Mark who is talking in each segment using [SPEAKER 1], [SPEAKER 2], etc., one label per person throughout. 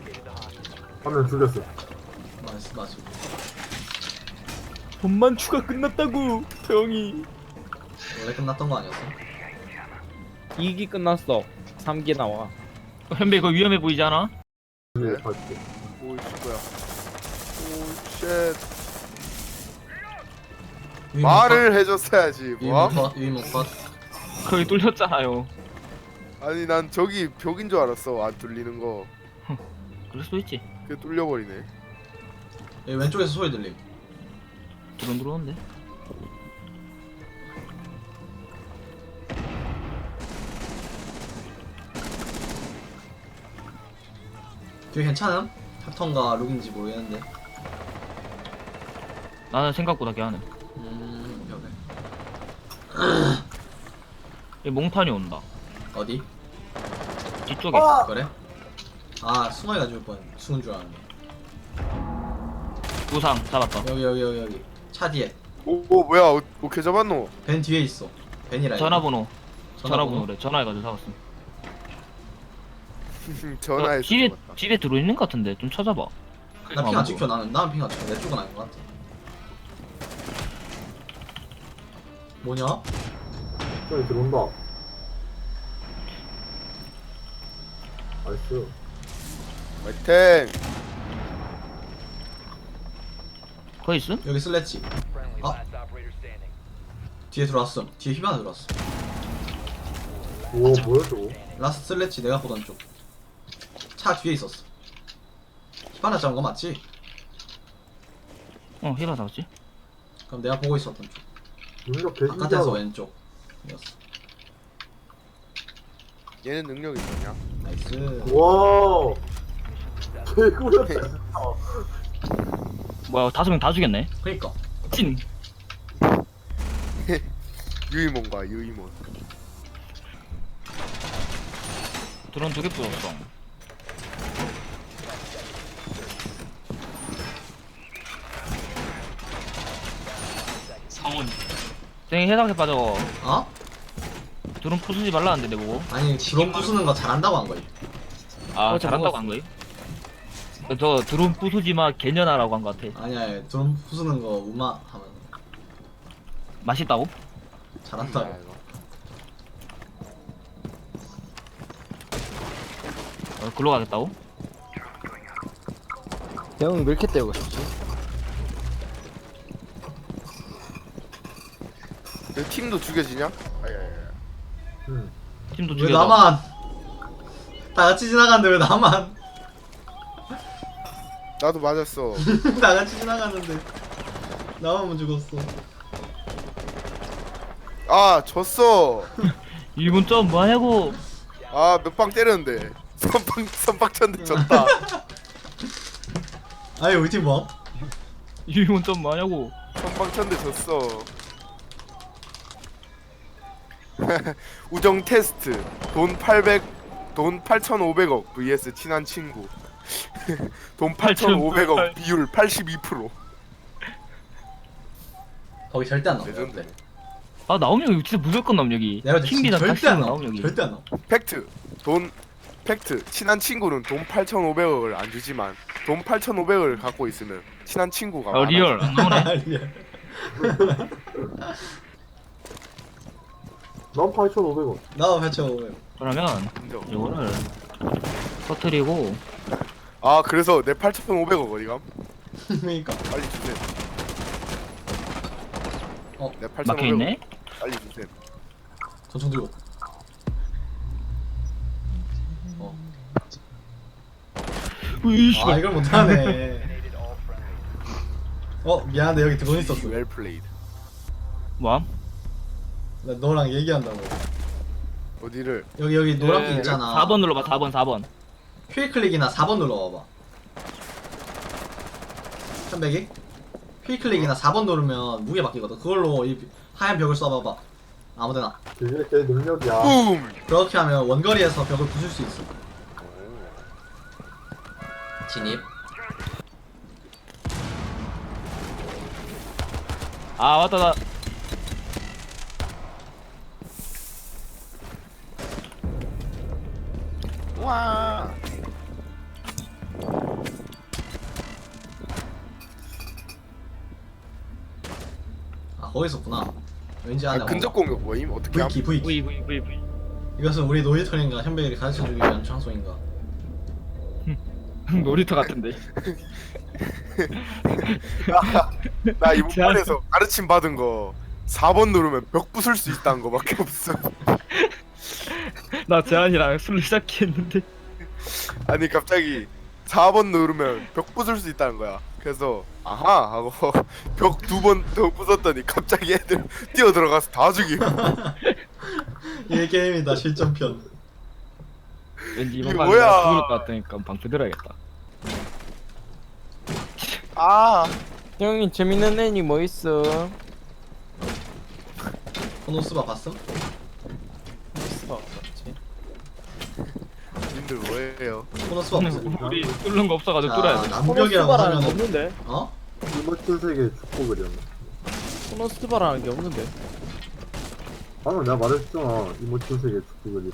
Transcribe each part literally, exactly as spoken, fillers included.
[SPEAKER 1] 한 명 죽였어.
[SPEAKER 2] 맞어 맞어.
[SPEAKER 3] 돈만 추가 끝났다고 형이.
[SPEAKER 2] 원래 끝났던 거 아니었어?
[SPEAKER 3] 이 기 끝났어. 삼 기 나와. 현배 이거 위험해 보이지 않아?
[SPEAKER 1] 네, 갈게.
[SPEAKER 4] 오이씨 뭐야. 오쉣. 말을 해줬어야지. 뭐?
[SPEAKER 2] 유이몬 컷 유이몬 컷.
[SPEAKER 3] 거기 뚫렸잖아요.
[SPEAKER 4] 아니 난 저기 벽인 줄 알았어. 안 뚫리는 거.
[SPEAKER 3] 그럴 수도 있지.
[SPEAKER 4] 그게 뚫려버리네.
[SPEAKER 2] 여기 왼쪽에서 소리 들림.
[SPEAKER 3] 드론 들어오는데.
[SPEAKER 2] 되게 괜찮음? 탑턴가 룩인지 모르겠는데.
[SPEAKER 3] 나는 생각보다 걔하네.
[SPEAKER 2] 음 오케이 오케이.
[SPEAKER 3] 얘 몽탄이 온다.
[SPEAKER 2] 어디?
[SPEAKER 3] 뒤쪽에.
[SPEAKER 2] 그래? 아 승원이가 죽을 뻔. 죽은 줄 알았네.
[SPEAKER 3] 부상 잡았다.
[SPEAKER 2] 여기 여기 여기 여기 차 뒤에.
[SPEAKER 4] 오, 오 뭐야? 어, 어떻게 잡았노?
[SPEAKER 2] 벤 뒤에 있어. 벤이라.
[SPEAKER 3] 전화번호.
[SPEAKER 2] 전화번호?
[SPEAKER 3] 전화번호래. 전화해가지고 잡았음.
[SPEAKER 4] 전화해서
[SPEAKER 3] 어, 집에
[SPEAKER 4] 잡았다.
[SPEAKER 3] 집에 들어있는 것 같은데 좀 찾아봐.
[SPEAKER 2] 나 핑 안 찍혀. 나는 나는 핑 안 찍혀. 내 쪽은 아닌 것 같아. 뭐냐?
[SPEAKER 1] 저기 들어온다. 나이스.
[SPEAKER 4] 화이팅!
[SPEAKER 3] 거기 있음?
[SPEAKER 2] 여기 슬래치. 아 뒤에 들어왔음. 뒤에 휘바나 들어왔어.
[SPEAKER 1] 오, 뭐야, 저거?
[SPEAKER 2] 라스트 슬래치 내가 보던 쪽. 차 뒤에 있었어. 휘바나 잡은 거 맞지?
[SPEAKER 3] 어 히바 잡았지.
[SPEAKER 2] 그럼 내가 보고 있었던 쪽.
[SPEAKER 1] 능력
[SPEAKER 2] 바깥에서
[SPEAKER 1] 개신기하다.
[SPEAKER 2] 왼쪽. 이었어.
[SPEAKER 4] 얘는 능력이 있냐?
[SPEAKER 2] 나이스.
[SPEAKER 1] 와. 개구렸다.
[SPEAKER 3] 뭐야 다섯 명 다 죽였네.
[SPEAKER 2] 그니까.
[SPEAKER 3] 찐.
[SPEAKER 4] 유이몬과 유이몬.
[SPEAKER 3] 드론 두 개 부었어.
[SPEAKER 5] 성훈
[SPEAKER 3] 땡이 해상에 빠져.
[SPEAKER 2] 어?
[SPEAKER 3] 드론 부수지 말라는데 내보고.
[SPEAKER 2] 아니 드론 부수는 거 잘한다고 한 거야.
[SPEAKER 3] 아
[SPEAKER 5] 어,
[SPEAKER 3] 잘한다고 한 거임? 저 드론 부수지마 개년아라고 한 거 같아.
[SPEAKER 2] 아니야 아니, 드론 부수는 거 우마 하면
[SPEAKER 3] 맛있다고?
[SPEAKER 2] 잘한다고.
[SPEAKER 3] 어, 글로 가겠다고?
[SPEAKER 5] 형이 왜 이렇게 때우고 싶지?
[SPEAKER 4] 내 팀도 죽여지냐? 아야야야.
[SPEAKER 1] 응.
[SPEAKER 3] 팀도
[SPEAKER 2] 왜
[SPEAKER 3] 죽여줘.
[SPEAKER 2] 나만 다 같이 지나갔는데 왜 나만
[SPEAKER 4] 나도 맞았어.
[SPEAKER 2] 다 같이 지나갔는데 나만 죽었어.
[SPEAKER 4] 아 졌어.
[SPEAKER 3] 일본 점 뭐하냐고.
[SPEAKER 4] 아 몇 방 때렸는데 선빵 선빵 쳤는데 졌다.
[SPEAKER 2] 아니 우리 팀 뭐?
[SPEAKER 3] 일본 점 뭐하냐고.
[SPEAKER 4] 선빵 쳤는데 졌어. 우정 테스트 돈 팔백 돈 팔천오백억 vs 친한 친구. 돈 팔천오백억 비율 팔십이 퍼센트.
[SPEAKER 2] 거기 절대 안 나와.
[SPEAKER 4] 레전드.
[SPEAKER 3] 아 나오면 여기 진짜 무조건 나옴 여기.
[SPEAKER 2] 내가
[SPEAKER 3] 킹비나
[SPEAKER 2] 절대 안
[SPEAKER 3] 다시
[SPEAKER 2] 나와.
[SPEAKER 3] 나옴 여기.
[SPEAKER 2] 절대 안 나와.
[SPEAKER 4] 팩트 돈 팩트 친한 친구는 돈 팔천오백억을 안 주지만 돈 팔천오백억을 갖고 있으면 친한 친구가
[SPEAKER 3] 어
[SPEAKER 4] 많아.
[SPEAKER 3] 리얼 안 나오네.
[SPEAKER 2] 리얼.
[SPEAKER 1] 난 팔천오백 원.
[SPEAKER 2] 나도 팔천오백.
[SPEAKER 3] 그러면
[SPEAKER 4] 인정.
[SPEAKER 3] 이거를 터트리고
[SPEAKER 4] 아 그래서 내 팔천오백억 어디감?
[SPEAKER 2] 그러니까.
[SPEAKER 4] 빨리 주세요.
[SPEAKER 2] 어,
[SPEAKER 4] 내 팔천오백억
[SPEAKER 3] 막혀있네?
[SPEAKER 4] 빨리 주세요.
[SPEAKER 2] 권총 들고. 어.
[SPEAKER 3] 으이씨.
[SPEAKER 2] 아 이걸 못하네. 어 미안한데 여기 드론 있었어.
[SPEAKER 4] 웰 플레이드.
[SPEAKER 3] 뭐함?
[SPEAKER 2] 나 너랑 얘기한다고.
[SPEAKER 4] 어디를?
[SPEAKER 2] 여기 여기 노란 핀
[SPEAKER 3] 네,
[SPEAKER 2] 있잖아.
[SPEAKER 3] 사 번 눌러봐 사 번 사 번.
[SPEAKER 2] 휠 클릭이나 사 번 눌러봐봐. 천백이? 휠 클릭이나 사 번 누르면 무게 바뀌거든. 그걸로 이 하얀 벽을 쏴봐봐. 아무데나.
[SPEAKER 1] 그게 제 능력이야.
[SPEAKER 4] 붐.
[SPEAKER 2] 그렇게 하면 원거리에서 벽을 부술 수 있어. 진입.
[SPEAKER 3] 아 맞다 나.
[SPEAKER 4] 와.
[SPEAKER 2] 거기 있었구나. 왠지
[SPEAKER 4] 아,
[SPEAKER 2] 아네.
[SPEAKER 4] 근접 공격 뭐임? 어떻게 함?
[SPEAKER 2] V키 V키.
[SPEAKER 3] V V V V.
[SPEAKER 2] 이것은 우리 노이터인가 현백이를 가르쳐주기 위한 장소인가.
[SPEAKER 3] 놀이터 같은데.
[SPEAKER 4] 나 이번
[SPEAKER 3] 제안-
[SPEAKER 4] 판에서 가르침 받은 거 사 번 누르면 벽 부술 수 있다는 거밖에 없어.
[SPEAKER 3] 나 재한이랑 술 시작했는데.
[SPEAKER 4] 아니 갑자기 사 번 누르면 벽 부술 수 있다는 거야. 그래서 아하 하고 벽 두 번 더 부쉈더니 갑자기 애들 뛰어 들어가서 다 죽임.
[SPEAKER 2] 이 게임이다 실전편.
[SPEAKER 3] 왠지
[SPEAKER 4] 이게
[SPEAKER 3] 이번 판
[SPEAKER 4] 뭐야?
[SPEAKER 3] 내가 죽을 것 같으니까 방패 들어야겠다.
[SPEAKER 4] 아
[SPEAKER 5] 형님 재밌는 애니 뭐 있어?
[SPEAKER 2] 코노스바 봤음?
[SPEAKER 5] 있어 맞지?
[SPEAKER 4] 님들 뭐예요?
[SPEAKER 2] 코노스바 봤음.
[SPEAKER 3] 우리 뚫는 거 없어가지고
[SPEAKER 2] 자,
[SPEAKER 3] 뚫어야 돼.
[SPEAKER 2] 남벽이라고
[SPEAKER 5] 코노스바라는 게
[SPEAKER 2] 하면은
[SPEAKER 5] 없는데?
[SPEAKER 2] 어?
[SPEAKER 1] 이모친 세계 축복을이었나?
[SPEAKER 5] 코노스바라는 게 없는데?
[SPEAKER 1] 방금 내가 말했잖아. 이모친 세계 축복을이라.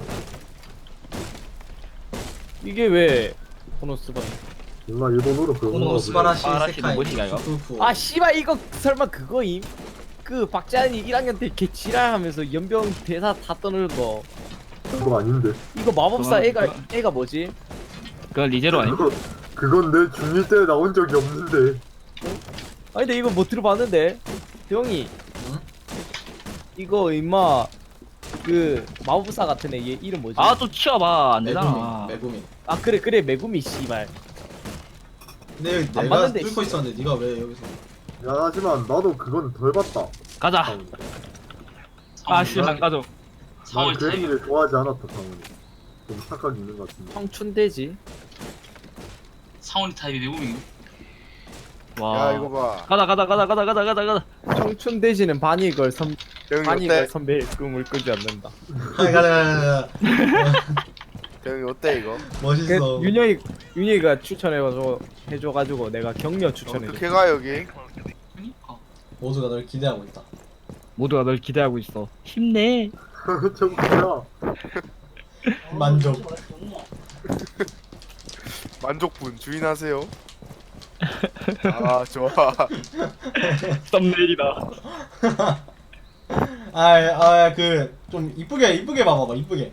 [SPEAKER 5] 이게 왜 코노스바?
[SPEAKER 1] 누나 일본어로 그거
[SPEAKER 2] 코노스바라시
[SPEAKER 3] 아라시
[SPEAKER 2] 세카이
[SPEAKER 3] 뭐지가, 이거?
[SPEAKER 2] 슈쿠쿠.
[SPEAKER 5] 아 씨발 이거 설마 그거임? 그 박재한이 일 학년 때 개 지랄하면서 연병 대사 다 떠는 거.
[SPEAKER 1] 그거 아닌데.
[SPEAKER 5] 이거 마법사
[SPEAKER 3] 그건-
[SPEAKER 5] 애가
[SPEAKER 3] 그건-
[SPEAKER 5] 애가 뭐지?
[SPEAKER 3] 그건 리제로 아니?
[SPEAKER 1] 그거 그건 내 중이 때 나온 적이 없는데.
[SPEAKER 5] 아니 근데 이거 뭐 들어봤는데? 형이
[SPEAKER 2] 응?
[SPEAKER 5] 이거 임마 그 마법사 같은 애 얘 이름 뭐지?
[SPEAKER 3] 아 좀 치워봐 안
[SPEAKER 2] 메구미
[SPEAKER 3] 되잖아.
[SPEAKER 2] 메구미.
[SPEAKER 5] 아 그래 그래 메구미 씨발.
[SPEAKER 2] 근데 여기
[SPEAKER 5] 안
[SPEAKER 2] 내가
[SPEAKER 5] 봤는데,
[SPEAKER 2] 뚫고
[SPEAKER 5] 씨.
[SPEAKER 2] 있었는데 네가 왜 여기서?
[SPEAKER 1] 미안하지만 나도 그건 덜 봤다.
[SPEAKER 3] 가자. 아 씨발 가져.
[SPEAKER 1] 난 그 애니를 좋아하지 않았다 상훈이. 좀 착각이 있는 것 같은데.
[SPEAKER 5] 청춘대지.
[SPEAKER 6] 사원이 타입이 외국인
[SPEAKER 3] 와.
[SPEAKER 4] 야 이거 봐.
[SPEAKER 3] 가자 가자 가자 가자 가자 가자 가자.
[SPEAKER 5] 청춘대지는 반이 걸 선
[SPEAKER 4] 대형이
[SPEAKER 5] 반이
[SPEAKER 4] 어때?
[SPEAKER 5] 걸 선배의 꿈을 꾸지 않는다.
[SPEAKER 2] 가자 가자 가자.
[SPEAKER 4] 대형이 어때 이거?
[SPEAKER 5] 그
[SPEAKER 2] 멋있어.
[SPEAKER 5] 윤영이 윤영이가 추천해가지고 해줘가지고 내가 격려 추천해줘.
[SPEAKER 4] 어떻게 가 여기?
[SPEAKER 6] 그니까
[SPEAKER 2] 모두가 널 기대하고 있다.
[SPEAKER 3] 모두가 널 기대하고 있어. 힘내.
[SPEAKER 1] 정수야.
[SPEAKER 2] 만족.
[SPEAKER 4] 만족분 주인하세요. 아 좋아.
[SPEAKER 3] 썸네일이다.
[SPEAKER 2] 아아그 좀 이쁘게 이쁘게 봐봐봐 이쁘게.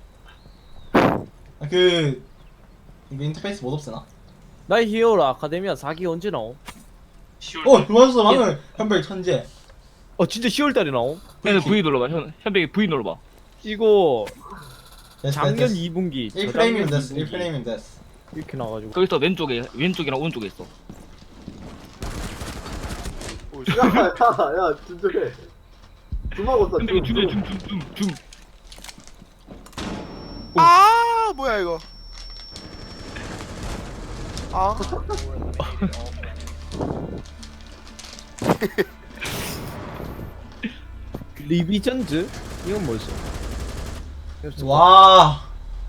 [SPEAKER 2] 아, 그 이거 인터페이스 못 없애나?
[SPEAKER 5] 나의 히어로 아카데미아 사 기 언제 나옴?
[SPEAKER 6] 시월
[SPEAKER 2] 어 좋았어 방금 현백 천재.
[SPEAKER 5] 어 진짜 시월달에 나옴?
[SPEAKER 3] 현 V 눌러봐. 현 현백이 V 눌러봐.
[SPEAKER 5] 이거
[SPEAKER 2] 됐어,
[SPEAKER 5] 작년
[SPEAKER 2] 됐어.
[SPEAKER 5] 이 분기
[SPEAKER 2] 일 프레임이면 됐어.
[SPEAKER 5] 저작년
[SPEAKER 2] 일
[SPEAKER 5] 이 분기
[SPEAKER 2] 프레임이면 됐어.
[SPEAKER 5] 이렇게 나가지고
[SPEAKER 3] 거기서 왼쪽에 왼쪽이랑 오른쪽에 있어.
[SPEAKER 1] 야야야 진정해. 주먹 었어.
[SPEAKER 3] 현백이 줌해 줌줌줌 줌.
[SPEAKER 4] 아 뭐야 이거? 아
[SPEAKER 5] 리비전즈? 이건 뭐지?
[SPEAKER 2] 와.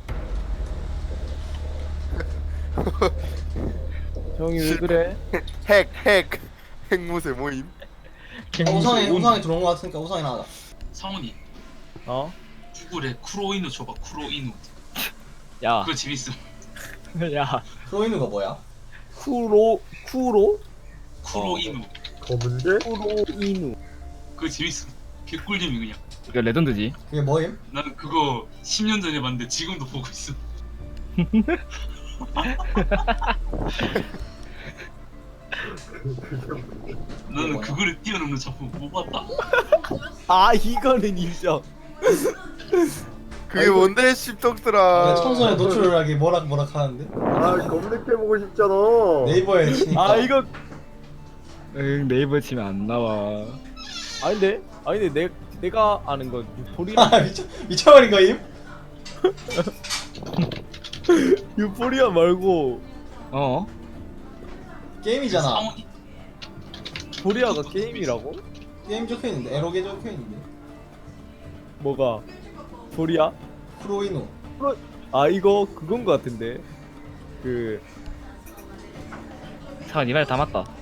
[SPEAKER 5] 형이 왜 그래?
[SPEAKER 4] 핵 핵 핵무새 모임.
[SPEAKER 2] 어, 우상이 우상이 들어온 거 같으니까 우상이 나가자.
[SPEAKER 6] 사원이
[SPEAKER 5] 어?
[SPEAKER 6] 구글에 쿠로이누 줘봐 쿠로이누
[SPEAKER 3] 야.
[SPEAKER 6] 그거 재밌음
[SPEAKER 3] 야.
[SPEAKER 2] 프로이누가 뭐야?
[SPEAKER 5] 쿠로 쿠로
[SPEAKER 6] 쿠로이누
[SPEAKER 1] 검은데?
[SPEAKER 5] 쿠로이누.
[SPEAKER 6] 그거 재밌음 개꿀잼이 그냥
[SPEAKER 3] 이거 레전드지.
[SPEAKER 2] 그게 뭐임?
[SPEAKER 6] 나는 그거 십 년 전에 봤는데 지금도 보고 있어 나는 그거를 뛰어넘는 작품 못 봤다
[SPEAKER 5] 아 이거는 인정.
[SPEAKER 4] 그게 뭔데 씹덕들아.
[SPEAKER 2] 청소년 노출하기 뭐락 뭐락 하는데
[SPEAKER 1] 아 검색해보고 싶잖아.
[SPEAKER 2] 네이버에 치니까.
[SPEAKER 5] 아 이거
[SPEAKER 3] 응 네이버 치면 안 나와.
[SPEAKER 5] 아닌데? 아닌데 내 내가 아는 건 유포리아.
[SPEAKER 2] 아 미쳐 미쳐버린 거임?
[SPEAKER 5] 유포리아 말고
[SPEAKER 3] 어?
[SPEAKER 2] 게임이잖아.
[SPEAKER 6] 사원이
[SPEAKER 5] 포리아가 게임이라고?
[SPEAKER 2] 게임 적혀 있는데 에로게 적혀 있는데.
[SPEAKER 5] 뭐가? 포리아?
[SPEAKER 2] 프로이누.
[SPEAKER 5] 아 이거 그건 거 같은데. 그
[SPEAKER 3] 사원 이 말 다 맞다.